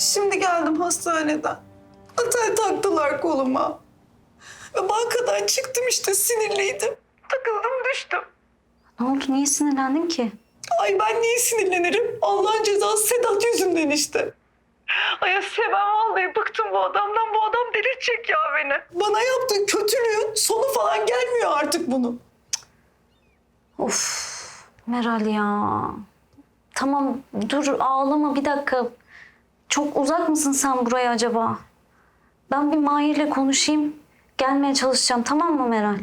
Şimdi geldim hastaneden. Atel taktılar koluma. Ve bankadan çıktım işte sinirliydim. Takıldım düştüm. Ne oldu? Niye sinirlendin ki? Ay ben niye sinirlenirim? Allah'ın cezası Sedat yüzünden işte. Ay Asiye ben vallahi bıktım bu adamdan. Bu adam delirtecek ya beni. Bana yaptığı kötülüğün sonu falan gelmiyor artık bunun. Of Meral ya. Tamam dur ağlama bir dakika. Çok uzak mısın sen buraya acaba? Ben bir Mahir'le konuşayım. Gelmeye çalışacağım tamam mı Meral?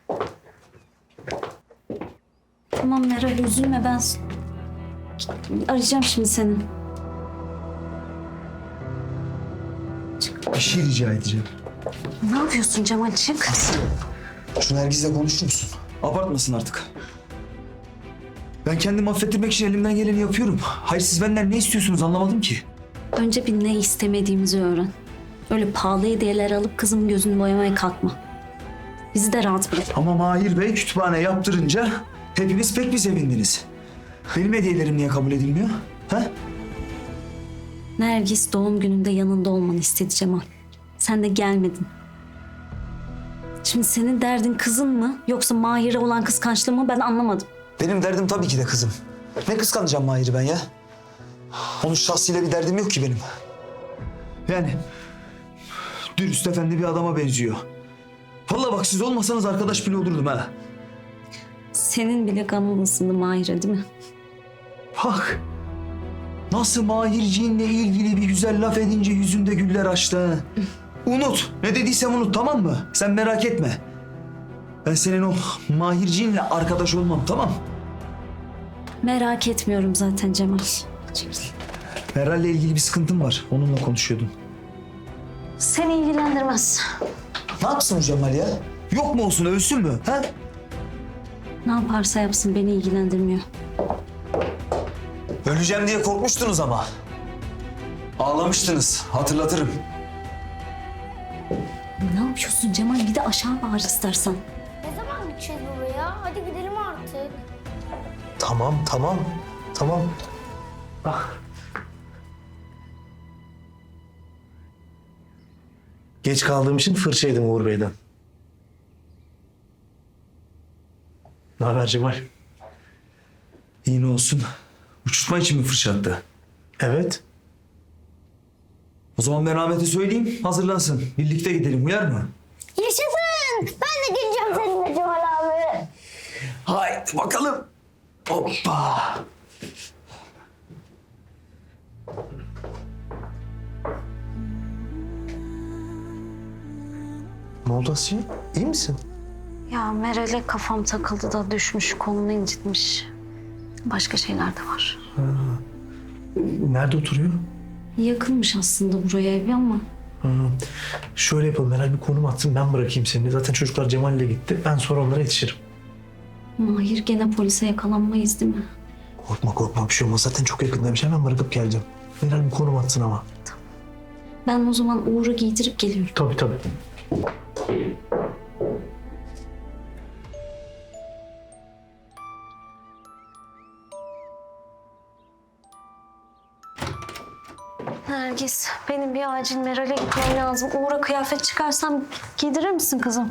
Tamam Meral üzülme ben arayacağım şimdi seni. Bir şey rica edeceğim. Ne yapıyorsun Cemal çık. Şu Nergis'le konuşur musun? Abartmasın artık. Ben kendimi affettirmek için elimden geleni yapıyorum. Hayır siz benden ne istiyorsunuz anlamadım ki. Önce bir ne istemediğimizi öğren. Öyle pahalı hediyeler alıp kızımın gözünü boyamaya kalkma. Bizi de rahat bırak. Ama Mahir Bey kütüphane yaptırınca hepiniz pek bir sevindiniz. Benim hediyelerim niye kabul edilmiyor? Ha? Nergis doğum gününde yanında olmanı istedi Cemal. Sen de gelmedin. Şimdi senin derdin kızın mı yoksa Mahir'e olan kıskançlığı mı ben anlamadım. Benim derdim tabii ki de kızım. Ne kıskanacağım Mahir'i ben ya? Onun şahsıyla bir derdim yok ki benim. Yani dürüst efendi bir adama benziyor. Vallahi bak siz olmasanız arkadaş bile olurdum ha. Senin bile kanın ısındı Mahir'e değil mi? Bak. Nasıl Mahirciğinle ilgili bir güzel laf edince yüzünde güller açtı ha. Unut. Ne dediysem unut tamam mı? Sen merak etme. Ben senin o Mahirciğinle arkadaş olmam tamam. Merak etmiyorum zaten Cemal. Meral'le ilgili bir sıkıntım var. Onunla konuşuyordum. Seni ilgilendirmez. Ne yapsın o Cemal ya? Yok mu olsun ölsün mü? Ha? Ne yaparsa yapsın beni ilgilendirmiyor. Öleceğim diye korkmuştunuz ama. Ağlamıştınız. Hatırlatırım. Ne yapıyorsun Cemal? Bir de aşağı bağır istersen. Ne zaman gideceğiz baba ya? Hadi gidelim artık. Tamam. Bak. Geç kaldığım için fırça yedim Uğur Bey'den. Ne haber Cemal? İyi ne olsun. Uçurtma için mi fırça attı? Evet. O zaman ben Ahmet'e söyleyeyim. Hazırlansın. Birlikte gidelim. Uyar mı? Yaşasın! Ben de geleceğim seninle Cemal abi. Haydi bakalım. Hoppa. Ne oldu Asiye? İyi misin? Ya Meral'e kafam takıldı da düşmüş, kolunu incitmiş. Başka şeyler de var. Nerede oturuyor? Yakınmış aslında buraya evi ama. Şöyle yapalım. Herhalde bir konum atsın ben bırakayım seni. Zaten çocuklar Cemal'le gitti. Ben sonra onlara yetişirim. Mahir gene polise yakalanmayız değil mi? Korkma bir şey olmaz. Zaten çok yakındaymış. Hemen bırakıp geleceğim. Herhalde bir konum atsın ama. Ben o zaman Uğur'u giydirip geliyorum. Tabii. Nergis, benim bir acil Meral'e gitmem lazım. Uğur'a kıyafet çıkarsam giydirir misin kızım?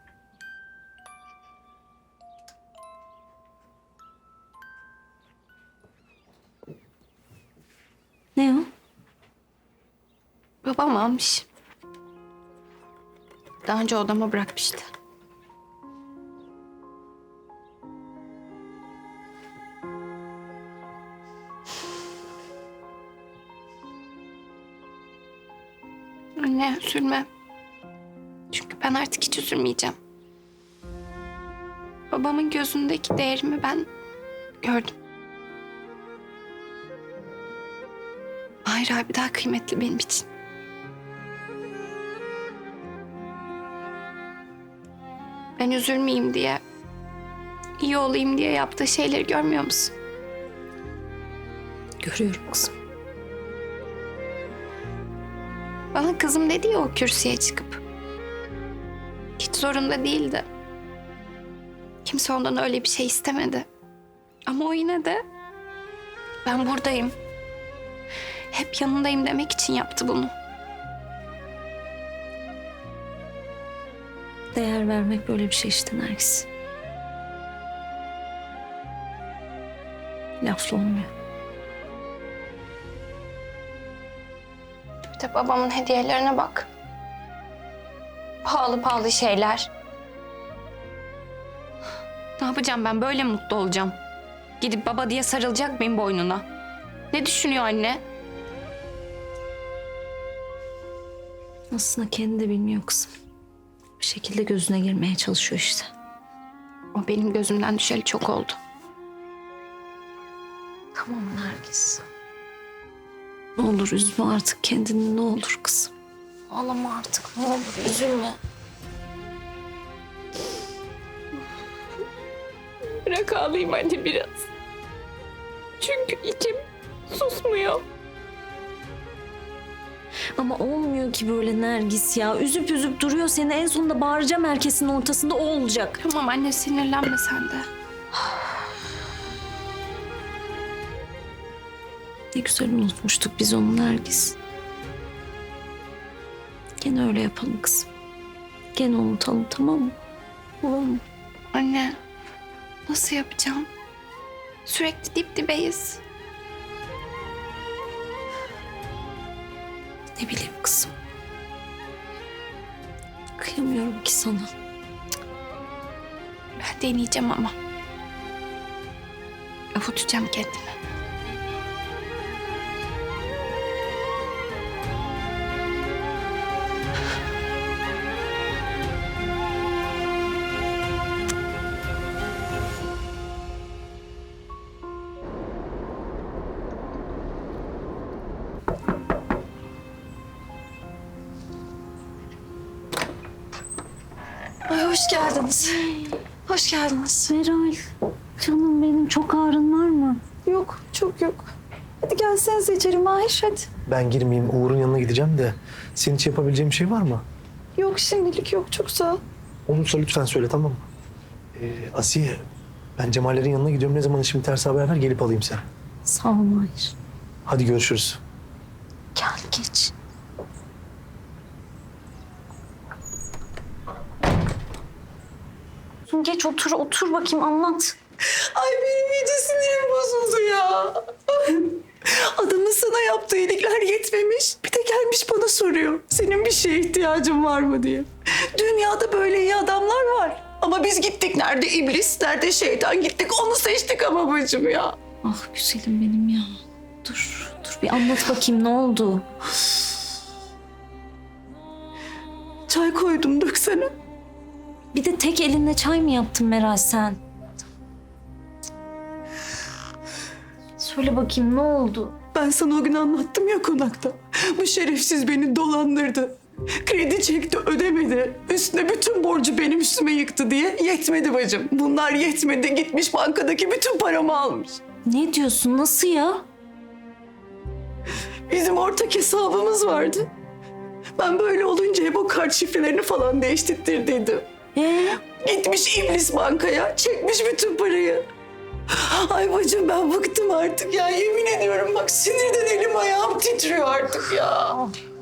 Ne o? Babam almış. Daha önce odama bırakmıştı. Anne üzülme. Çünkü ben artık hiç üzülmeyeceğim. Babamın gözündeki değerimi ben gördüm. Mahir abi daha kıymetli benim için. Ben üzülmeyeyim diye, iyi olayım diye yaptığı şeyleri görmüyor musun? Görüyorum kızım. Bana kızım dedi ya o kürsüye çıkıp. Hiç zorunda değildi. Kimse ondan öyle bir şey istemedi. Ama o yine de ben buradayım. Hep yanındayım demek için yaptı bunu. Değer vermek böyle bir şey işte Nergis. Lafla olmuyor. Bir de babamın hediyelerine bak. Pahalı pahalı şeyler. Ne yapacağım ben? Böyle mutlu olacağım. Gidip baba diye sarılacak mıyım boynuna? Ne düşünüyor anne? Aslında kendi de bilmiyor kızım. Bir şekilde gözüne girmeye çalışıyor işte. O benim gözümden düşeli çok oldu. Tamam Nergis. Ne olur üzme artık kendini, ne olur kızım. Ağlama artık, ne olur üzülme. Bırak ağlayayım anne biraz. Çünkü içim susmuyor. Ama olmuyor ki böyle Nergis ya. Üzüp üzüp duruyor seni. En sonunda bağıracağım herkesin ortasında, o olacak. Tamam anne, sinirlenme sen de. Ne güzel unutmuştuk biz onu Nergis. Gene öyle yapalım kızım. Gene unutalım, tamam mı? Olur mu? Anne, nasıl yapacağım? Sürekli dip dibeyiz. Ne bileyim kızım. Kıyamıyorum ki sana. Ben deneyeceğim ama. Avutacağım kendimi. Ay hoş geldiniz. Hoş geldiniz. Meral, canım benim, çok ağrın var mı? Yok, çok yok. Hadi gelsenize içeri Mahir, hadi. Ben girmeyeyim, Uğur'un yanına gideceğim de senin için yapabileceğim bir şey var mı? Yok şimdilik yok, çok sağ ol. Olursa lütfen söyle, tamam mı? Asiye, ben Cemallerin yanına gidiyorum. Ne zaman işim biterse haber ver, gelip alayım seni. Sağ ol Mahir. Hadi görüşürüz. Gel geç. Geç otur bakayım, anlat. Ay benim iyice sinirim bozuldu ya. Adamın sana yaptığı iyilikler yetmemiş. Bir de gelmiş bana soruyor. Senin bir şeye ihtiyacın var mı diye. Dünyada böyle iyi adamlar var. Ama biz gittik, nerede iblis, nerede şeytan, gittik onu seçtik ama bacım ya. Ah güzelim benim ya. Dur bir anlat bakayım, ne oldu? Çay koydum, döksene. Bir de tek elinle çay mı yaptın Meral sen? Söyle bakayım, ne oldu? Ben sana o gün anlattım ya konakta. Bu şerefsiz beni dolandırdı. Kredi çekti, ödemedi. Üstüne bütün borcu benim üstüme yıktı diye. Yetmedi bacım. Bunlar yetmedi. Gitmiş bankadaki bütün paramı almış. Ne diyorsun, nasıl ya? Bizim ortak hesabımız vardı. Ben böyle olunca hep o kart şifrelerini falan değiştirttiydim. Gitmiş iblis bankaya, çekmiş bütün parayı. Ay bacım ben bıktım artık ya. Yemin ediyorum bak, sinirden elim ayağım titriyor artık ya.